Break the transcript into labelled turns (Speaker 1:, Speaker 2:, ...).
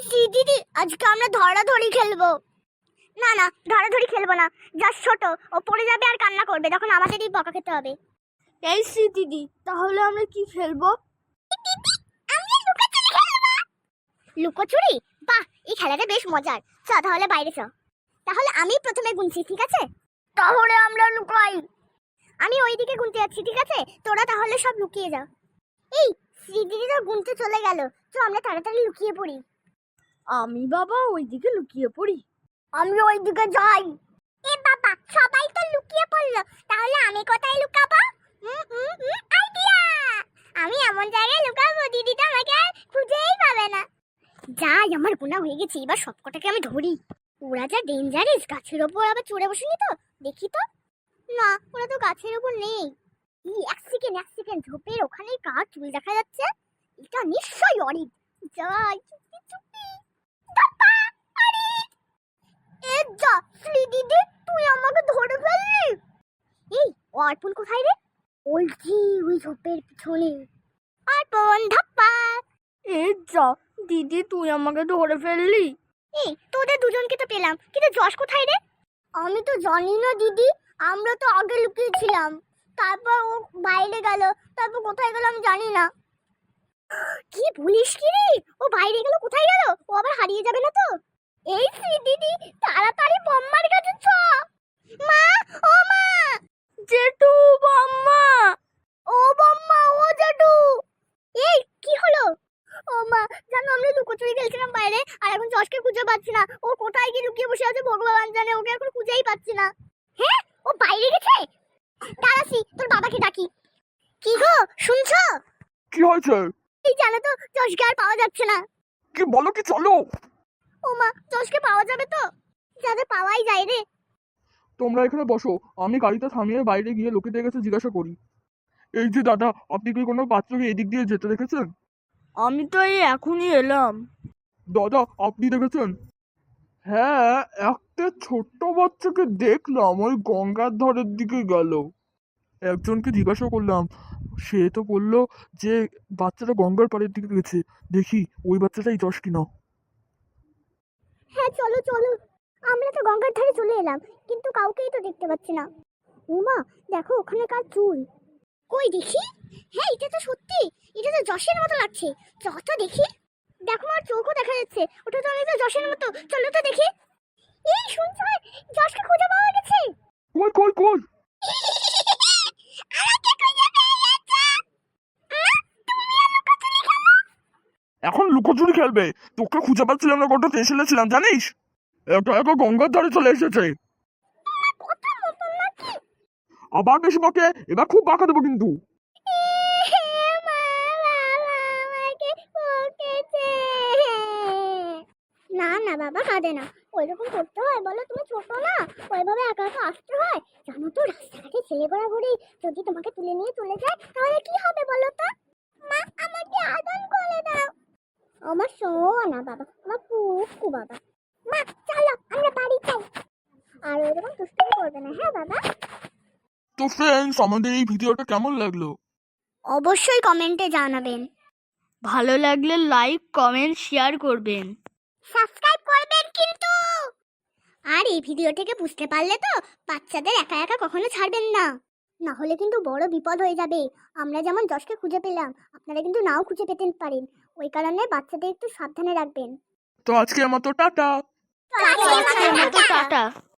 Speaker 1: দিদি, আজকে আমরা ধরাধরি খেলবো। না না, ধরাধরি খেলবো না। জাস্ট ছোট, ও পড়ে যাবে আর কান্না করবে, তখন আমাদেরই বকা খেতে হবে।
Speaker 2: এই দিদি, তাহলে আমরা কি খেলবো?
Speaker 1: লুকোচুরি? বাহ, এই খেলাটা বেশ মজার। চ তাহলে বাইরে চ। তাহলে আমি প্রথমে গুনছি, ঠিক আছে? তাহলে আমরা লুকাই। আমি ওইদিকে গুনতে যাচ্ছি, ঠিক আছে? তোরা তাহলে সব লুকিয়ে যা। এই দিদি তো গুনতে চলে গেল, তো আমরা তাড়াতাড়ি লুকিয়ে পড়ি।
Speaker 2: আমি বাবা ওইদিকে লুকিয়ে পড়ি।
Speaker 1: আমি ওইদিকে যাই। এ বাবা, সবাই তো লুকিয়ে পড়লো, তাহলে আমি কোথায় লুকাবো? আইডিয়া! আমি এমন জায়গায় লুকাবো দিদি তো আমাকে আর খুঁজেই পাবে না। যাই, আমার গুণা হয়ে গেছে, এবার সবকটাকে আমি ধরি। ওরা যা ডেঞ্জারাস, গাছের ওপর আবার চড়ে বসেনি তো? দেখি তো। না, ওরা তো গাছের ওপর নেই। এক সেকেন্ড, ঝোপের ওখানে কার চুল দেখা যাচ্ছে। এটা নিশ্চয়ই অরিক। যাই চুপি চুপি। দাপা, অরিক! এ যা, দিদি তুই আমাকে ধরে ফেললি। এই অর্পণ কোথায় রে? ওই ঝোপের পিছনে। অর্পণ, ধাপ্পা!
Speaker 2: এই যা দিদি, তুই আমাকে ধরে ফেললি।
Speaker 1: এই তোদের দুজনকে তো পেলাম, কিন্তু যশ কোথায় রে? আমি তো জানি না দিদি, আমরা তো আগে লুকিয়েছিলাম, তারপর ও বাইরে গেল, তারপর কোথায় গেল আমি জানি না। কি বলিস কি রে? ও বাইরে গেল, কোথায় গেল? ও আবার হারিয়ে যাবে না তো? এই দিদি, তাড়াতাড়ি বম্মার কাছে চ। মা, ও মা!
Speaker 2: জেঠু, বাম্মা!
Speaker 1: ও বম্মা, ও জেঠু! এই কি হলো? ও মা, জানো আমরা লুকোচুরি খেলছিলাম বাইরে, আর এখন যশকে খুঁজে পাচ্ছি না। ও কোথায় গিয়ে লুকিয়ে বসে আছে ভগবান জানে, ওকে এখন খুঁজেই পাচ্ছি না। হ্যাঁ, ও বাইরে গেছে। দাঁড়াসি, তোর বাবাকে ডাকি। কি গো, শুনছো?
Speaker 3: কি হয়েছে?
Speaker 1: এই জানো তো, যশকে আর পাওয়া যাচ্ছে না।
Speaker 3: কি বলো, কি চলো?
Speaker 1: ও মা, যশকে পাওয়া যাবে তো? যাতে পাওয়াই যায় রে।
Speaker 3: তোমরা এখানে বসো, আমি গাড়িটা থামিয়ে বাইরে গিয়ে লোকেদের কাছে জিজ্ঞাসা করি। এই যে দাদা, আপনি কি কোনো বাচ্চাকে এদিক দিয়ে যেতে দেখেছেন?
Speaker 2: আমি তো এই এখনই এলাম।
Speaker 3: দাদা, আপনি দেখেছেন? হ্যাঁ, একটা ছোট্ট বাচ্চাকে দেখলাম, ওই গঙ্গার ধারের দিকে গেল। একজনকে জিজ্ঞাসা করলাম, সে তো বললো যে বাচ্চাটা গঙ্গার পাড়ের দিকে গেছে। দেখি ওই বাচ্চাটাই যশ কিনা।
Speaker 1: হ্যাঁ চলো চলো, আমরা তো গঙ্গার ধারে চলে এলাম, কিন্তু কাউকেই তো দেখতে পাচ্ছি না। উমা, দেখো ওখানে কার চুল। কই দেখি। হ্যাঁ, এটা তো সত্যি, এটা তো যশের মতো লাগছে। চল তো দেখি। দেখো, আমার চোখও দেখা যাচ্ছে, ওটা তো অনেকটা যশের মতো। চলো তো দেখি। এই শুনছো, যশকে খুঁজে পাওয়া গেছে।
Speaker 3: কই কই কই?
Speaker 1: আমাকে খুঁজে পেয়ে গেছে। তুমি আর লুকোচুরি খেলো?
Speaker 3: এখন লুকোচুরি খেলবে? তোকে খুঁজে পাচ্ছিলাম না, কত টেনশনে ছিলাম জানিস। একা একা গঙ্গার ধারে চলে এসেছে।
Speaker 1: কথা মতো নাকি?
Speaker 3: আবার বেশি বকে, এবার খুব বাঁকা দেবো কিন্তু।
Speaker 1: না না বাবা, কাঁদে না। ওইরকম করতে হয় বলো? তুমি ছোট না, ওইভাবে একা একা আসতে হয়? জানো তো, রাস্তাঘাটে ছেলে ঘোরাঘুরি যদি তোমাকে তুলে নিয়ে চলে যায়, তাহলে কি হবে বলো তো? মা, আমাকে আদর করে দাও। আমার সোনা বাবা, আমার কুকু বাবা। মা, চলো আমরা বাড়ি যাই। আর ওইরকম দুষ্টুমি করবে না, হ্যাঁ বাবা?
Speaker 3: তো ফ্রেন্ডস, আমাদের এই ভিডিওটা কেমন লাগলো?
Speaker 1: অবশ্যই কমেন্টে জানাবেন।
Speaker 2: ভালো লাগলে লাইক, কমেন্ট, শেয়ার করবেন।
Speaker 1: সাবস্ক্রাইব করবেন কিন্তু। আর এই ভিডিও থেকে বুঝতে পারলে তো, বাচ্চাদের একা একা কখনো ছাড়বেন না, না হলে কিন্তু বড় বিপদ হয়ে যাবে। আমরা যেমন যশকে খুঁজে পেলাম, আপনারা কিন্তু নাও খুঁজে পেতে পারেন। ওই কারণে বাচ্চাদের একটু সাবধানে রাখবেন।
Speaker 3: তো আজকের মতো টাটা।
Speaker 1: আজকের মতো
Speaker 2: টাটা।